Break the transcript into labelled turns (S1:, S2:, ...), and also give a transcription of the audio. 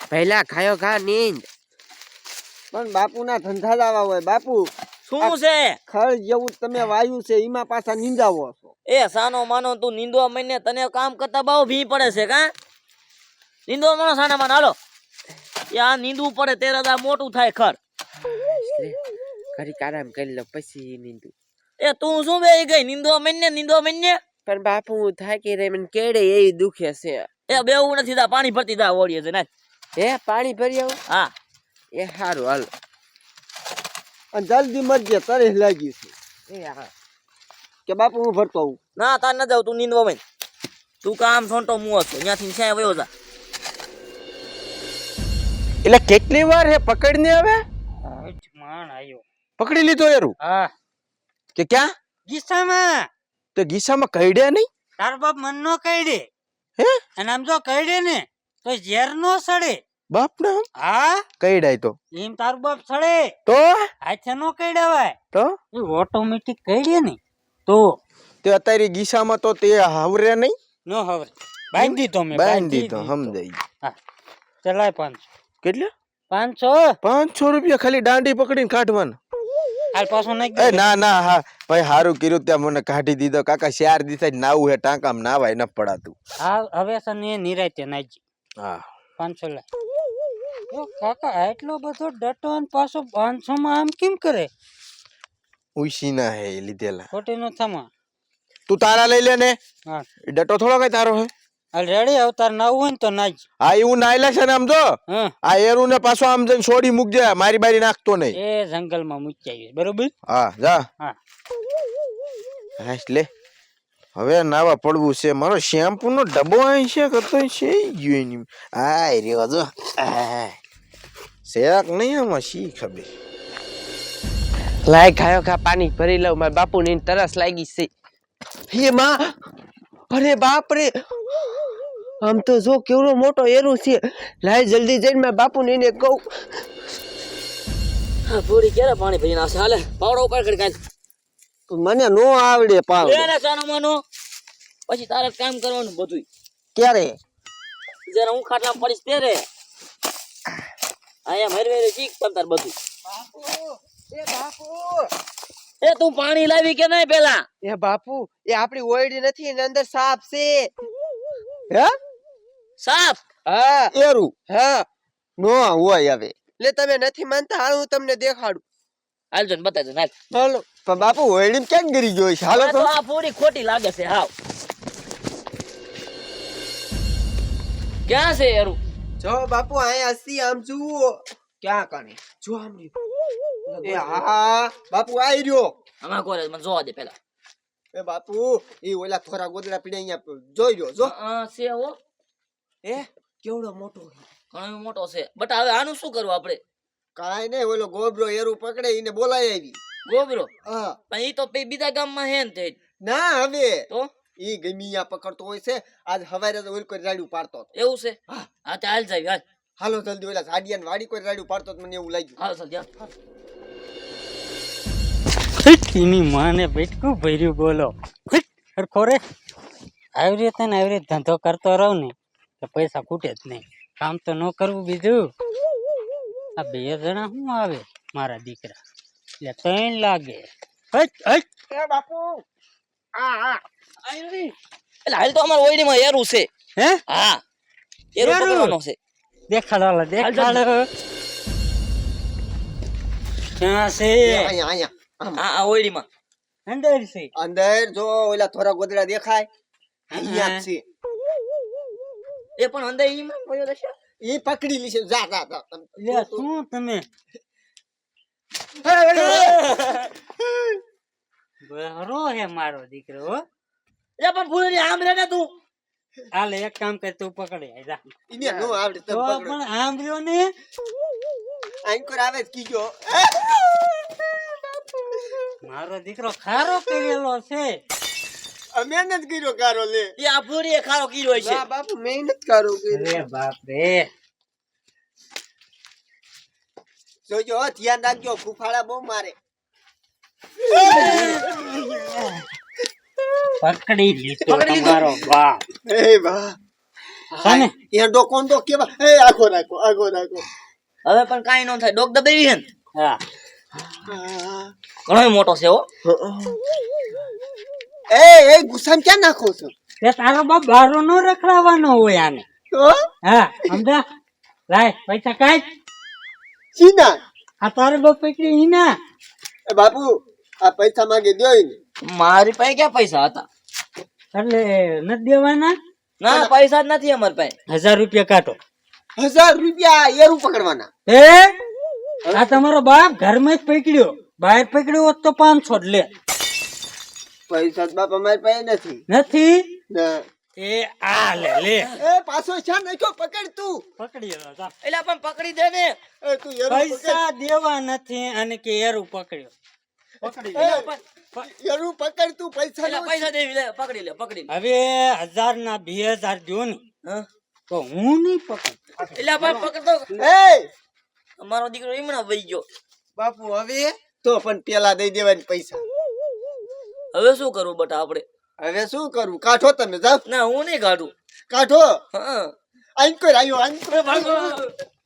S1: પહેલા ખાયો ખા નીંદ.
S2: પણ બાપુના ધંધા જ આવા હોય બાપુ.
S3: શું છે
S2: ખળ જેવું તમે વાયુ છે એમાં પાછા નીંદાવો છો.
S3: એ સાનો માનો તું નીંદવા મહિને તને કામ કરતા બહુ ભી પડે છે કા નીંદવા માનો સાના માનો હાલો યા નીંદવું પડે તે રદા મોટું થાય ખર
S1: ઘડીક આરામ કરી લો પછી નીંદું.
S3: એ તું શું બે ગઈ નીંદવા મહિને
S1: પણ બાપુ થાકી રે મને કેડે એ દુખે છે.
S3: એ બેવું નથી દા પાણી ભરતી દા ઓળીએ છે ને
S1: હે પાણી ભરી આવું.
S3: હા
S1: એ સારું હાલો.
S2: અને જલ્દી મરજે તરસ લાગી છે.
S1: એ હા
S2: કે બાપુ હું ભરતો આવું.
S3: ના તાર ન જાવ તું નીંદવા મહિને તું કામ છોંટો મુઓ છો ત્યાંથી ક્યાંય વયો જા
S4: એટલે કેટલી વાર હે પકડને હવે
S5: માણ આયો
S4: પકડી લીધો એરું
S5: હા
S4: કે ક્યાં
S5: ગીસામાં
S4: તો ગીસામાં કઈડ્યા નહીં
S5: તાર બાપ મન નો કઈડે
S4: હે
S5: અને આમ જો કઈડે ને તો ઝેર નો સડે
S4: બાપ ના
S5: હા
S4: કઈડાય તો
S5: એમ તાર બાપ સડે
S4: તો
S5: હાથે નો કઈડાવાય
S4: તો
S5: એ ઓટોમેટિક કઈડે ને તો
S4: તે અત્યારે ગીસામાં તો તે હાવરે નહીં
S5: નો હવે બાંધી તો મેં
S4: બાંધી તો સમજાઈ
S5: હા ચલાય 500
S4: કેટલા
S5: 500
S4: 500 રૂપિયા ખાલી દાંડી પકડીને કાઢવાના
S5: હાલ પાછો નાખ
S4: એ ના ના હા ભાઈ હારું કર્યું ત્યાં મને કાઢી દીધો કાકા 4 દિવસ નાવું હે ટાંકામાં નાવાય ન પડાતું
S5: હા હવે સને નિરાતે નાખજી
S4: હા
S5: 500 લે ઓ કાકા આટલો બધો ડટો અને પાછો 500 માં આમ કેમ કરે
S4: ઉઈસી ના હે લીધેલા
S5: ખોટી નો થમા
S4: તું તારા લઈ લે ને
S5: હા
S4: ડટો થોડો કઈ તારો હે
S5: હાલ રેડી અવતાર નાવું હોય ને તો નાખ
S4: હા એવું નાયલા છે ને આમ તો
S5: હા
S4: આ એરું ને પાછો આમ જઈને છોડી મૂકજે મારી બારી નાખતો નહીં
S5: એ જંગલમાં મૂકી આવી બરોબર
S4: હા જા
S5: હા
S4: હાશ લે હવે નાવા પડવું છે મારો શેમ્પુ નો ડબ્બો અહીં છે કતો છે ગયો એની આય રહ્યો જો શેક નહીં આમાં શી ખબર
S1: લાય ખાયો ખા પાણી ભરી લઉં. મારા બાપુ ની તરસ લાગી છે. હે માં અરે બાપ રે આમ તો જો કેવડો મોટો એરું છે. લાય જલ્દી જઈને મારા બાપુ ને કહું.
S3: હા પૂરી ક્યારે પાણી ભરી નાખશે હાલે પાવડો ઉપર કરી કાઢ
S2: મને નો આવડે પાવ.
S3: લે ને સાનો માનો પછી તારે કામ કરવાનું બધું
S2: ક્યારે
S3: જરા હું ખાટલામાં પડીશ ત્યારે આયા મરવે શીખ તમ તાર બધું એ તું પાણી લાવી કે નહીં પેલા
S1: એ બાપુ એ આપણી ઓયડી નથી એની અંદર સાપ છે.
S2: હે
S3: સાપ
S1: હા
S2: એરું
S1: હા
S2: નો હોય હવે.
S1: લે તમે નથી માનતા હાલ હું તમને દેખાડું.
S3: હાલ જો બતાવી દો હાલ
S2: હાલો પણ બાપુ હોયડી ક્યાં ગરી ગયો છે. હાલો
S3: આ
S2: તો
S3: તો આ પૂરી ખોટી લાગે છે હાવ ક્યાં છે યારું
S1: જો બાપુ અહીંયા હસી આમ જુઓ ક્યાં કાને જો આમ
S2: એ હા બાપુ આઈ રહ્યો.
S3: આમાં કોરે મને જોવા દે પેલા
S2: એ બાપુ ઈ ઓલા થોરા ગોદડા પીડે અહીંયા જોઈ રહ્યો જો.
S3: છે હો
S1: એ કેવડો મોટો
S3: ઘણો મોટો છે બટ હવે આનું શું કરવું આપણે
S2: કાઈ નહીં ઓલો ગોબરો એરું પકડે ઈને બોલાય આવી.
S3: ગોબરો
S2: હા
S3: પણ ઈ તો બીજા ગામમાં હે ને તે
S2: ના હવે
S3: તો
S2: ઈ ગમીયા પકડતો હોય છે. આજ હવારે તો ઓલ કોઈ રાડ્યું પાડતો હતો.
S3: એવું છે હા તે હાલ જાય હાલ
S2: હાલો જલ્દી ઓલા ઝાડિયાને વાડી કોઈ રાડ્યું પાડતો હતો મને એવું લાગ્યું.
S3: હાલ ચાલ જા
S5: એની માને બેટકું ભર્યું બોલો હરખો રે આવી રીતે ને આવી રીતે ધંધો કરતો રહું ને તો પૈસા ખૂટે જ નહીં કામ તો ન કરવું બીજું આ 2 જણા શું આવે મારા દીકરા એટલે 3 લાગે
S2: એ બાપુ આ
S3: એટલે હાલ તો અમાર ઓયડીમાં એરું છે
S5: હે
S3: હા એરું
S5: એરું?
S3: પકડવાનો છે
S5: દેખાડો દેખાડો ક્યાં છે
S2: અહીંયા અહીંયા
S3: હા આ ઓયડીમાં
S5: અંદર છે
S2: અંદર જો ઓલા થોરા ગોદડા દેખાય અહીંયા જ છે.
S3: એ પણ અંદર ઈમાં કોયો રહેશે
S2: ઈ પકડી લીશે જા જા જા.
S5: લે શું તમે બહરો હે મારો દીકરો હો
S3: એ પણ ભૂલી આમ રે ને તું
S5: હાલે એક કામ કર તું પકડે જા
S2: ઈને નો આવડે
S5: તો
S2: તમે પકડો.
S5: પણ આમ રહ્યો ને
S2: આંકોર આવે જ કીજો.
S5: મારો દીકરો ખારો કરેલો છે
S2: મહેનત કર્યો કારો લે.
S3: એ આ ભૂરી એ ખારો કીડો છે
S1: ના બાપુ મહેનત કરું
S5: અરે બાપ રે
S2: જોજો હો, ધ્યાન રાખજો ફૂફાડા બહુ મારે.
S5: પકડી લીધો તમારો બાપ
S2: એ બા
S5: સાને
S2: એરડો કોંડો કેવા એ આગો રાખો
S3: હવે પણ કાંઈ ન થાય ડોક દબાવી હે ને
S5: હા
S3: ઘણો મોટો છે હો
S2: એ ગુસ્સામાં ક્યાં નાખો છો
S5: તે તારો બાપ બારો નો રખડાવવાનો હોય આને
S2: તો
S5: હા સમજા લાય પૈસા કાઢ
S2: સીના
S5: આ તારો બાપ પકડી ઈના
S2: એ બાપુ આ પૈસા માંગે દ્યો ને
S3: મારી પાસે ક્યાં પૈસા હતા
S5: એટલે નથી દેવાના
S3: ના પૈસા જ નથી અમારી પાસે
S5: 1000 રૂપિયા કાઢો
S2: 1000 રૂપિયા એરું પકડવાના
S5: એ આ તમારો બાપ ઘરમાં જ પકડ્યો બહાર પકડ્યો હોત તો 500 જ લે
S2: પૈસા જ બાપ અમારી પાસે નથી
S5: નથી
S2: ના
S5: એ આ લે લે
S2: એ પાછો છે ને કયો પકડ તું
S5: પકડી લો જા.
S3: એટલે પણ પકડી દે ને
S2: એ તું એરું
S5: પૈસા દેવા નથી અને કે એરું પકડ્યો પકડી લે.
S2: એરું પકડ તું પૈસા
S3: એટલે પૈસા દેવી લે પકડી લે
S5: હવે 1000 ના 2000 દો ને
S3: હા
S5: તો હું નહીં પકડ
S3: એટલે પણ પકડતો
S2: એ
S3: અમારો દીકરો ઈમણા વહી ગયો
S2: બાપુ હવે તો પણ પેલા દઈ દેવાની પૈસા
S3: હવે શું કરવું બટા આપણે
S2: હવે શું કરવું કાઢો તમે જાઓ
S3: ના હું નહીં કાઢું
S2: કાઢો
S3: હા
S2: આઈ કોઈ આવ્યો